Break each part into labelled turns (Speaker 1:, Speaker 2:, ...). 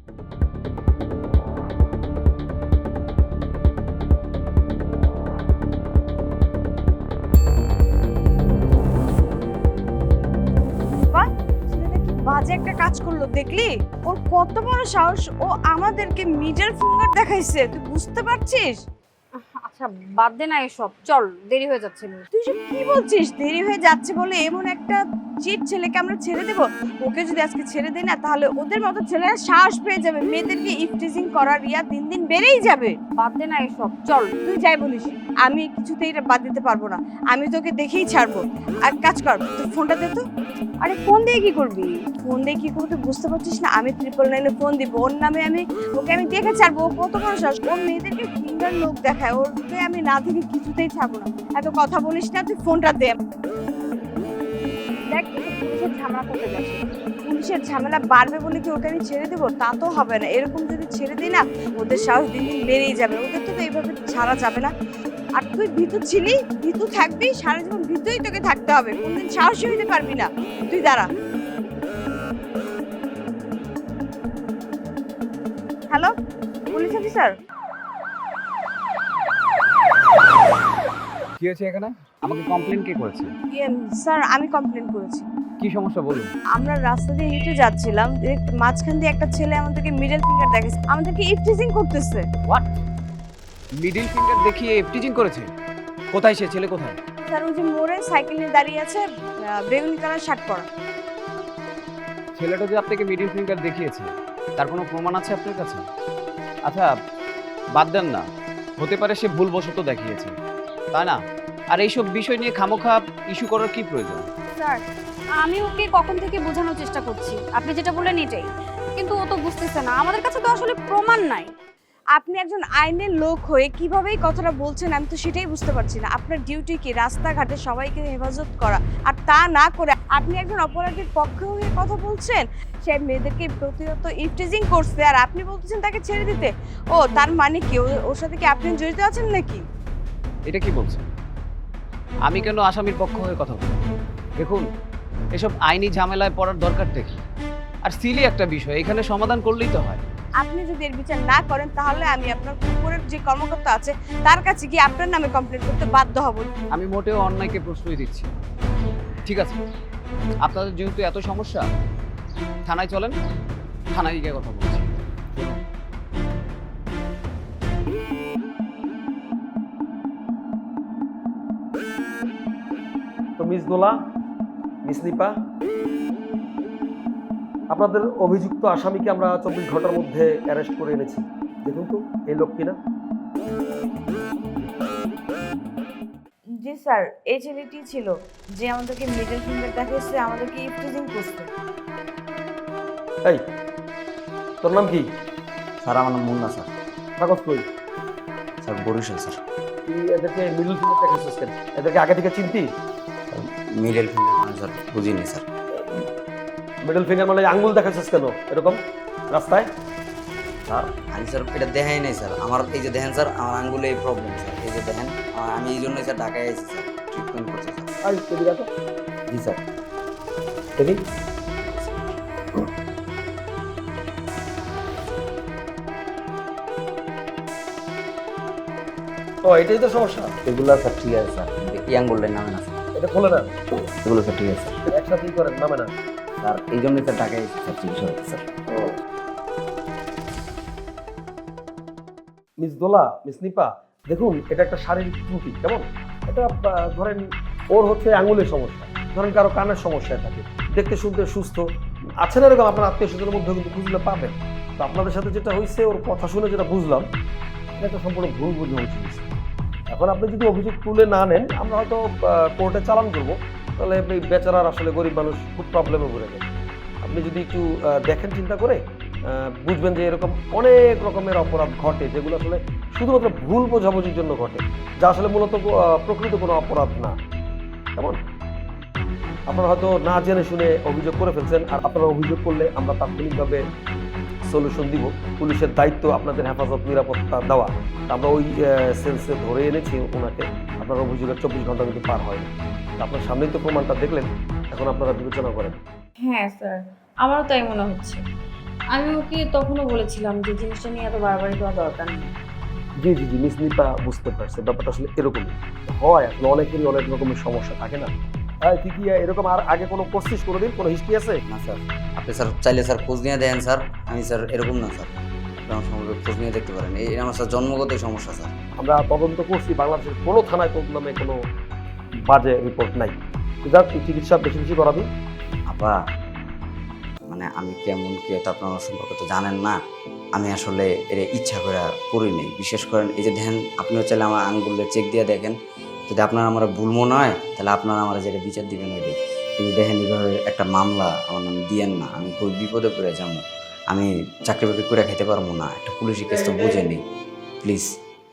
Speaker 1: বাহ, ছেলেটা কি বাজে একটা কাজ করলো দেখলি? ওর কত বড় সাহস, ও আমাদেরকে মিডল ফিঙ্গার দেখাইছে, তুই বুঝতে পারছিস?
Speaker 2: আচ্ছা বাদ দে না এসব, চল দেরি হয়ে যাচ্ছে।
Speaker 1: তুই সব কি বলছিস? দেরি হয়ে যাচ্ছে বলে এমন একটা চিট ছেলেকে আমরা ছেড়ে দেব? ওকে যদি আজকে ছেড়ে দেই না, তাহলে ওদের মতো ছেলেরা সাহস পেয়ে যাবে, মেয়েদেরকে ইফটিজিং করার রিয়া দিন দিন বেড়েই যাবে।
Speaker 2: বাদ দে না এসব, চল।
Speaker 1: তুই যাই বলিস, আমি কিছুতেই এটা বাদ দিতে পারবো না। আমি তোকে দেখেই ছাড়বো। আর কাজ কর, তোর ফোনটা দে তো।
Speaker 2: আরে ফোন দিয়ে কি করবি?
Speaker 1: ফোন দিয়ে কি করবো তুই বুঝতে পারছিস না? আমি 999-এ ফোন দিব, ওর নামে ওকে দেখে ছাড়বো। ও কত বড় সাহস, ওর মেয়েদেরকে ফিঙ্গার লোক দেখায়, ওরকে আমি না থেকে কিছুতেই ছাড়বো না। এত কথা বলিস না, তুই ফোনটা দে।
Speaker 2: দেখ পুলিশের ঝামেলা করতে যাচ্ছে।
Speaker 1: পুলিশের ঝামেলা বাড়বে বলে কি ওকে আমি ছেড়ে দেবো? তা তো হবে না। এরকম যদি ছেড়ে দিই না, ওদের সাহস দিন দিন বেড়েই যাবে। ওদের তো এইভাবে ছাড়া যাবে না। আর তুই ভীতু ছিলি, ভীতু থাকবি, সারা জীবন ভীতুই তোকে থাকতে হবে, কোনদিন সাহসী হইতে পারবি না। তুই দাঁড়া। Hello, police officer.
Speaker 3: কি হয়েছে এখানে? আমাকে কমপ্লেন কে করেছে?
Speaker 1: স্যার, আমি কমপ্লেন করেছি।
Speaker 3: কি সমস্যা বলুন।
Speaker 1: আমরা রাস্তা দিয়ে হেঁটে যাচ্ছিলাম, মাঝখান দিয়ে একটা ছেলে আমাদেরকে মিডল ফিঙ্গার দেখাচ্ছে, আমাদেরকে ইফটিজিং করতেছে।
Speaker 3: হোয়াট? মিডল ফিঙ্গার দেখিয়ে এফটিজিং করেছে? কোথায় সে ছেলে, কোথায়?
Speaker 1: স্যার, ওই যে মোড়ে সাইকেল নিয়ে দাঁড়িয়ে আছে, বেগুনি কালার শার্ট পরা।
Speaker 3: ছেলেটা যে আপনাকে মিডল ফিঙ্গার দেখিয়েছে, তার কোনো প্রমাণ আছে আপনার কাছে? আচ্ছা বাদ দেন না, হতে পারে সে ভুলবশত দেখিয়েছে, তাই না? আর এইসব বিষয় নিয়ে খামোখা ইস্যু করার কি প্রয়োজন?
Speaker 2: স্যার আমি ওকে কখন থেকে বোঝানোর চেষ্টা করছি, আপনি যেটা বললেন এটাই, কিন্তু ও তো বুঝতেছে না। আমাদের কাছে তো আসলে প্রমাণ নাই।
Speaker 1: আপনি একজন আইনের লোক হয়ে কিভাবে এই কথাটা বলছেন, আমি তো সেটাই বুঝতে পারছি না। আপনার ডিউটি কি রাস্তাঘাটে সবাইকে হেফাজত করা, আর তা না করে আপনি একজন অপরাধীর পক্ষে হয়ে কথা বলছেন। সে মেয়েদেরকে প্রতিনিয়ত ইফটিজিং করছে, আর আপনি বলতেছেন তাকে ছেড়ে দিতে। ও তার মানে কি ওর সাথে কি আপনি জড়িত আছেন নাকি?
Speaker 3: এটা কি বলছেন? আমি কেন আসামির পক্ষ হয়ে কথা বলবো? দেখুন, এসব আইনি ঝামেলায় পড়ার দরকারটা কি? আর সিলি একটা বিষয়, এখানে সমাধান করলেই তো হয়।
Speaker 1: আপনি যদি এর বিচার না করেন, তাহলে আমি আপনার উপরের যে কর্মকর্তা আছে তার কাছে গিয়ে আপনার নামে কমপ্লেন করতে বাধ্য হব।
Speaker 3: আমি মোটেও অন্যায়কে প্রশ্রয় দিচ্ছি। ঠিক আছে, আপনাদের যেহেতু এত সমস্যা, থানায় চলেন, থানায় গিয়ে কথা বলছি।
Speaker 4: তো মিস দোলা, মিস নিপা, আপনাদের অভিযুক্ত আসামিকে আমরা 24 ঘন্টার মধ্যে অ্যারেস্ট করে এনেছি। দেখুন তো এই লোক কিনা।
Speaker 1: জি স্যার, এই ছেলেটি ছিল যে আমাদেরকে মিডল ফিঙ্গার দেখাচ্ছে, আমাদেরকে ইফটিজিং করছে।
Speaker 4: এই, তোর নাম কি?
Speaker 5: স্যার আমার নাম মুন্না স্যার।
Speaker 4: কাগজ কই?
Speaker 5: Sir Barishal sir.
Speaker 4: তুই এদেরকে মিডল ফিঙ্গার দেখাচ্ছিস কেন? এদেরকে আগে থেকে চিনতি?
Speaker 5: মিডল ফিঙ্গার মানে স্যার বুঝিনি স্যার।
Speaker 4: মিডল ফিঙ্গার মানে আঙ্গুল দেখাচ্ছিস কেন এরকম রাস্তায়?
Speaker 5: স্যার আমি স্যার এটা দেখাই নাই স্যার। আমার এই যে দেখেন স্যার, আমার আঙ্গুলে এই প্রবলেম স্যার। এই যে দেখেন, আমি এই জন্যই স্যার ঢাকায় আইছি স্যার, ট্রিটমেন্ট করছি স্যার।
Speaker 4: আই এদিকে আসো।
Speaker 5: জি স্যার।
Speaker 4: দেখি। ও, এটাই তো সমস্যা।
Speaker 5: এগুলো স্যার ঠিক আছে স্যার, এই আঙ্গুলটার নামে না স্যার।
Speaker 4: এটা খোলে না।
Speaker 5: এগুলো স্যার ঠিক আছে স্যার।
Speaker 4: একসাথেই করেন, নামে না।
Speaker 5: স্যার এই জন্যই স্যার ঢাকায় আইছি স্যার, চিকিৎসা করতে sir.
Speaker 4: Miss Dola, miss Nipa, দেখুন এটা একটা শারীরিক ত্রুটি, কেমন? এটা ধরেন ওর হচ্ছে আঙুলের সমস্যা, ধরেন কারো কানের সমস্যা থাকে, দেখতে শুনতে সুস্থ আছে না, এরকম আপনার আত্মীয় স্বজনের মধ্যে কিন্তু বুঝলে পাবেন। তো আপনাদের সাথে যেটা হয়েছে, ওর কথা শুনে যেটা বুঝলাম, এটা একটা সম্পূর্ণ ভুল বোঝাবুঝি হয়েছে। এখন আপনি যদি অভিযোগ তুলে না নেন, আমরা হয়তো কোর্টে চালান করবো, তাহলে এই বেচারার আসলে গরিব মানুষ খুব প্রবলেমে পড়ে যাবে। আপনি যদি একটু দেখেন, চিন্তা করে বুঝবেন যে এরকম অনেক রকমের অপরাধ ঘটে, যেগুলো আসলে শুধুমাত্র ভুল বোঝাবুঝির জন্য ঘটে, যা আসলে মূলত প্রকৃত কোনো অপরাধ না। কেমন? আপনারা হয়তো না জেনে শুনে অভিযোগ করে ফেলছেন, আর আপনারা অভিযোগ করলে আমরা তাৎক্ষণিকভাবে সলিউশন দিব। পুলিশের দায়িত্ব আপনাদের হেফাজত, নিরাপত্তা দেওয়া। আমরা ওই সেন্সে ধরে এনেছি ওনাকে। আপনার অভিযোগের 24 ঘন্টা কিন্তু পার হয়নি। আপনার সামনেই তো প্রমাণটা দেখলেন, এখন আপনারা বিবেচনা করেন।
Speaker 6: হ্যাঁ স্যার, আমারও তাই মনে হচ্ছে। আমি ওকে তখনও বলেছিলাম যে জিনিসটা নিয়ে এত বাড়াবাড়ি দেওয়া দরকার নেই।
Speaker 4: জি জি জি, মিস নিপা বুঝতে পারছে ব্যাপারটা আসলে এরকমই হয়। আসলে অনেকেরই অনেক রকমের সমস্যা থাকে না। তুই কি এরকম আর আগে কোনো করছিস, কোনোদিন কোনো হিস্ট্রি আছে?
Speaker 5: না স্যার, আপনি স্যার চাইলে স্যার খোঁজ নিয়ে দেখেন স্যার। আমি স্যার এরকম না স্যার, আপনি আমার সম্পর্কে খোঁজ নিয়ে দেখতে পারেন। এই আমার স্যার জন্মগতই সমস্যা স্যার।
Speaker 4: আমরা তদন্ত করছি, বাংলাদেশের কোনো থানায় তোর নামে কোনো বাজে রিপোর্ট নাই। তুই যা, তুই চিকিৎসা বেশি বেশি করাবি।
Speaker 5: আপা মানে আমি কেমন কি এটা আপনার আমার সম্পর্কে তো জানেন না। আমি আসলে এটা ইচ্ছা করে করি নাই। বিশেষ করেন এই যে দেখেন, আপনিও চাইলে আমার আঙ্গুলে চেক দিয়ে দেখেন, যদি আপনার আমার ভুল মনে হয় তাহলে আপনারা আমার যেটা বিচার দিবেন ওইটাই। কিন্তু দেখেন এইভাবে একটা মামলা আমার নামে দিয়েন না, আমি খুব বিপদে পড়ে যাবো। আমি চাকরি বাকরি করে খেতে পারবো না, একটা পুলিশি কেস তো বুঝেনি, প্লিজ।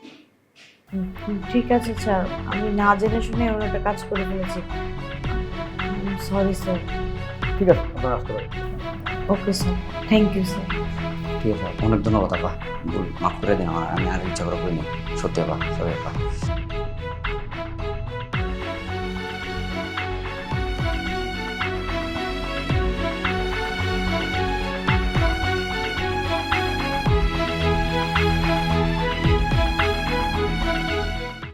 Speaker 6: ঠিক আছে স্যার, আমি না জেনে শুনে এমন একটা কাজ করে ফেলেছি। Sorry sir.
Speaker 4: ঠিক আছে, আপনার আসতে পারেন।
Speaker 6: Okay sir, thank you sir.
Speaker 5: ঠিক আছে, অনেক ধন্যবাদ আপা, ভুল মাফ করে দিন আমার। আমি আর ইচ্ছা করে করিনি, সত্যি আপা, সরি আপা।